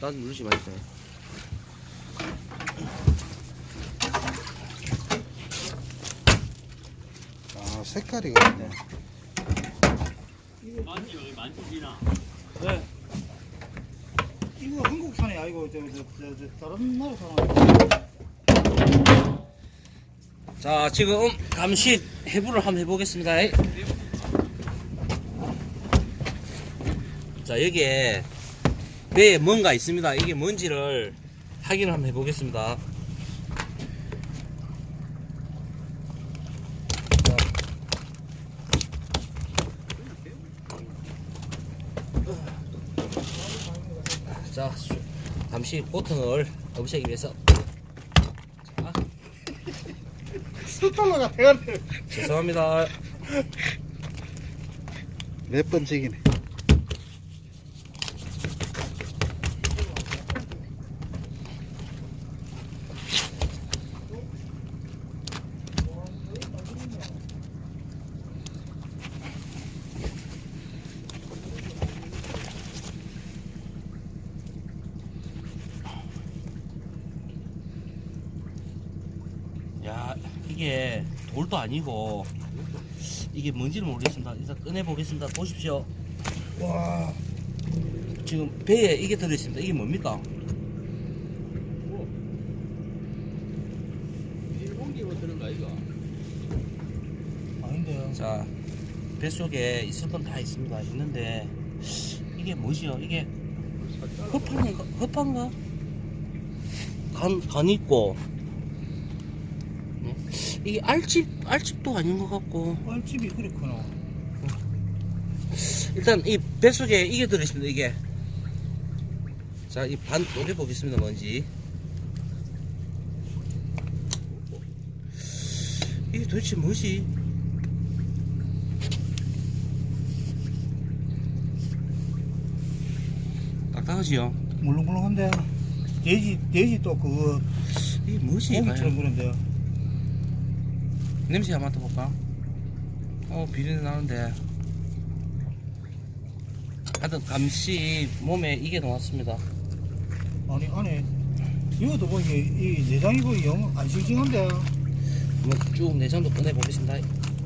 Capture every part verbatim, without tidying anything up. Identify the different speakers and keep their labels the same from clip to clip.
Speaker 1: 난 누르지 마있어요.
Speaker 2: 아, 색깔이 그렇네.
Speaker 3: 만지 여기 만지지나.
Speaker 4: 네. 이거 한국산이 아니고 저, 저, 저, 저 다른 나라 산.
Speaker 1: 자, 지금 감시 해부를 한번 해보겠습니다. 자, 여기에 배에 뭔가 있습니다. 이게 뭔지를 확인을 한번 해보겠습니다. 자, 수- 잠시 보통을 없애기 위해서 자,
Speaker 4: 스탈러가 돼가네.
Speaker 1: 죄송합니다.
Speaker 2: 몇 번째기네.
Speaker 1: 야, 이게 돌도 아니고 이게 뭔지는 모르겠습니다. 일단 꺼내 보겠습니다. 보십시오. 와, 지금 배에 이게 들어있습니다. 이게 뭡니까?
Speaker 3: 일본기로 들은 거 이거.
Speaker 4: 아닌데요.
Speaker 1: 자, 뱃속에 있을 건 다 있습니다. 있는데 이게 뭐지요? 이게 허파인가? 허파인가? 간, 간 있고 네? 이게 알집, 알집도 아닌 것 같고
Speaker 4: 뻘집이 그렇구나.
Speaker 1: 일단 이 뱃속에 이게 들어있습니다. 이게 자, 이 반 노려보겠습니다. 뭔지 이게 도대체 뭐지? 딱딱하지요?
Speaker 4: 물렁물렁한데. 돼지, 돼지 또 그거
Speaker 1: 이게 뭐지?
Speaker 4: 고기처럼 그런데요.
Speaker 1: 냄새 한번 맡아볼까? 어, 비린내 나는데. 하여튼 감시 몸에 이게 나왔습니다.
Speaker 4: 아니 안에 이것도 뭐 이게 이 내장이 뭐 영 안 싱싱한데.
Speaker 1: 한번 쭉 내장도 꺼내보겠습니다.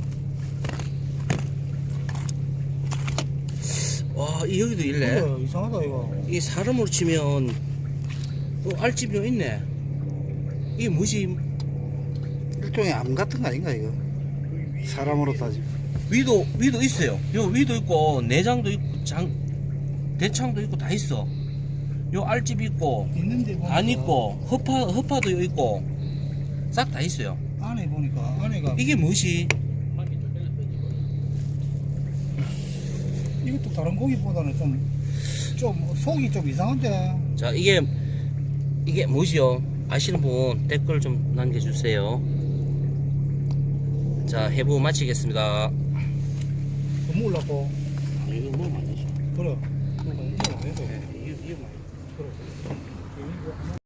Speaker 1: 와, 이 여기도 있네.
Speaker 4: 그래, 이상하다 이거.
Speaker 1: 이 사람으로 치면 어, 알집이 있네. 이게 뭐지?
Speaker 2: 일종의 암 같은 거 아닌가, 이거? 사람으로 따지면.
Speaker 1: 위도 위도 있어요. 요 위도 있고 내장도 있고 장 대창도 있고 다 있어. 요 알집 있고
Speaker 4: 있는데 보니까
Speaker 1: 안 있고 허파 허파도 있고 싹 다 있어요.
Speaker 4: 안에 보니까 안에가
Speaker 1: 이게 뭐지?
Speaker 4: 이것도 다른 고기보다는 좀 좀 속이 좀 이상한데.
Speaker 1: 자, 이게 이게 뭐지요? 아시는 분 댓글 좀 남겨주세요. 자, 해부 마치겠습니다.
Speaker 4: 너무 올랐고.
Speaker 1: 이거 뭐 많이
Speaker 4: 그래.